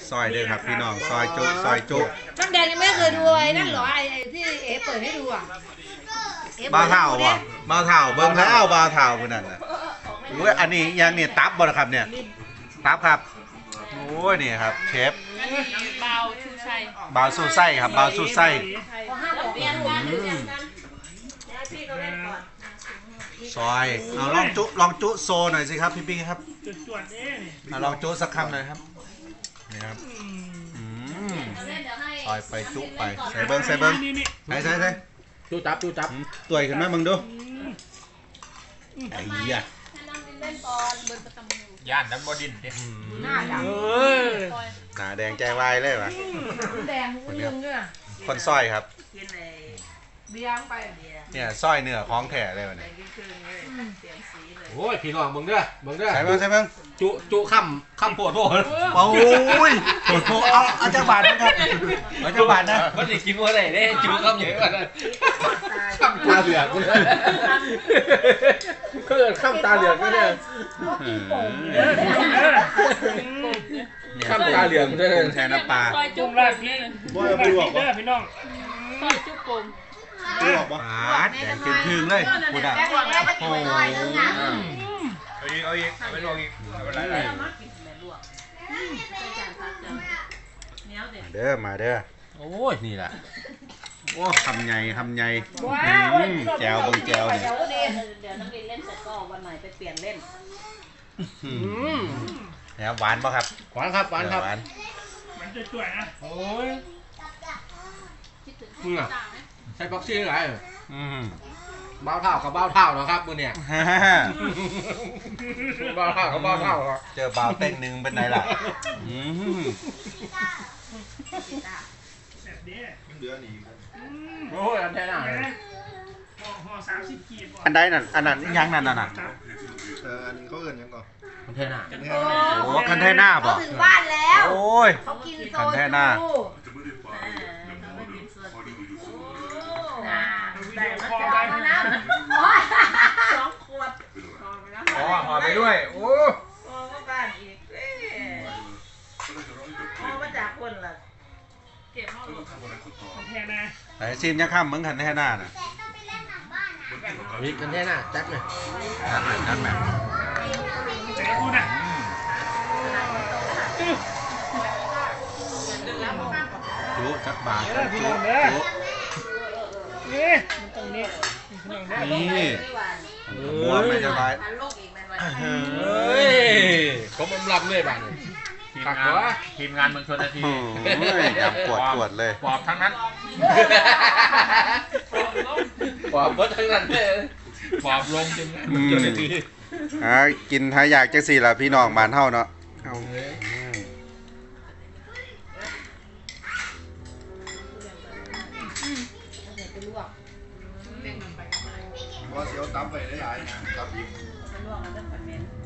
ซอยเด้อครับพี่น้องซอยจุน้ำแดงยังไม่เคยดูไอ้นั่นเหรอไอ้ที่เอ๋เปิดให้ดูอ่ะบ้าเท่าบ่บ้าเท่าเบิ่งแล้วบ้าเท่าคนนั้นน่ะโอ้ยอันนี้ยังเนี่ยตับบ่นะครับเนี่ยตับครับโอ้ยนี่ครับเชฟเบาชูชัยบาวสู้ไส้ครับบาวสู้ไส้ซอยเอาลองจุโซหน่อยสิครับพี่ปิ๊กครับลองจุสักคำหน่อยครับนี่ครับซอยไปจุไปใส่เบิ้งใส่จูจับตัวขึ้นมามึงดูไอ้เหี้ยย่านน้ำบดินดิหน้าดำหน้าแดงใจวายเลยวะน้ำแดงมึงยังเนี่ยคนซอยครับเบี้ยงไปเนี่ยซอยเนื้อของแท้เลยวะเนี่ยโอ้ยพี่น้องมึงเด้อใส่เบิ้งจูค่ำปวดโผล่โอ้ยเอาจักบาทนะครับเอาจักบาทนะมันจะกินว่าไหนได้จูค่ำเยอะกว่านั้นค่ำตาเหลือกก็เกิดค่ำตาเหลือกก็ได้ค่ำตาเหลือกได้แทนน้ำปลาซอยจุ๊บราดพี่บ่เอาไปลวกบ่พี่น้องซอยจุ๊บปุ่มลวกบ่แดงขึ้นเลยพูดอ่ะโอ้เอาอีกไปลวกอีกอะไรมาเด้อโอ้ยนี่แหละโอ้คำใหญ่แจวเบิ่งแจวเนี่ยเดี๋ยวนักเรียนเล่นเสร็จก็วันใหม่ไปเปลี่ยนเล่นเนี่ยหวานป่ะครับหวานครับหวานมันจะช่วยนะโอ้ยมึงอ่ะใช้บ็อกซี่อะไรเบ้าเท่ากับเบ้าเท่านะครับมึงเนี่ยเบ้าเท่ากับเบ้าเท่าครับเจอบ่าวเต้นหนึ่งเป็นไงล่ะแบบนี้โอ้ยอันแท้น่ะห่อ30 กีบอันใดนั่นอันนั้นยังนั่นน่ะอันนี้เขาเอื่นยังก่อนอันแท้น่ะโอ้คันแท่หน้าป่ะถึงบ้านแล้วโอ้ยเขากินโซคันแท่หน้าแต่มาจะเอามานะ2 ขวดห่อไปด้วยโอ้ก็บ้านอีกมาจากคนละเก็บห้องแค่นะไอ้ซีมยังข้ามมึงคันแท่หน้าน่ะนี่อันแท้น่ะจัดเลยนั่นแหละแต่คุณอ่ะจุจักบาทพี่น้องเด้อนี่มันตรงนี้พี่น้องเด้อนี่ม้วนไม่จะไรลูกอีกแม่วันเฮ้ยก็มันลำเลยบ้านทีมงานเมืองชนนาทียำปวดเลยปอบทั้งนั้นปอบเบิดทั้งนั้นเลยปอบลงจนเมืองชนนาทีกินถ้าอยากจักสี่ล่ะพี่น้องบ้านเฮาเนาะว่าเสียวตั้มไปได้หลายครับอีกเป็นลวกแล้วเป็นผัดเม็น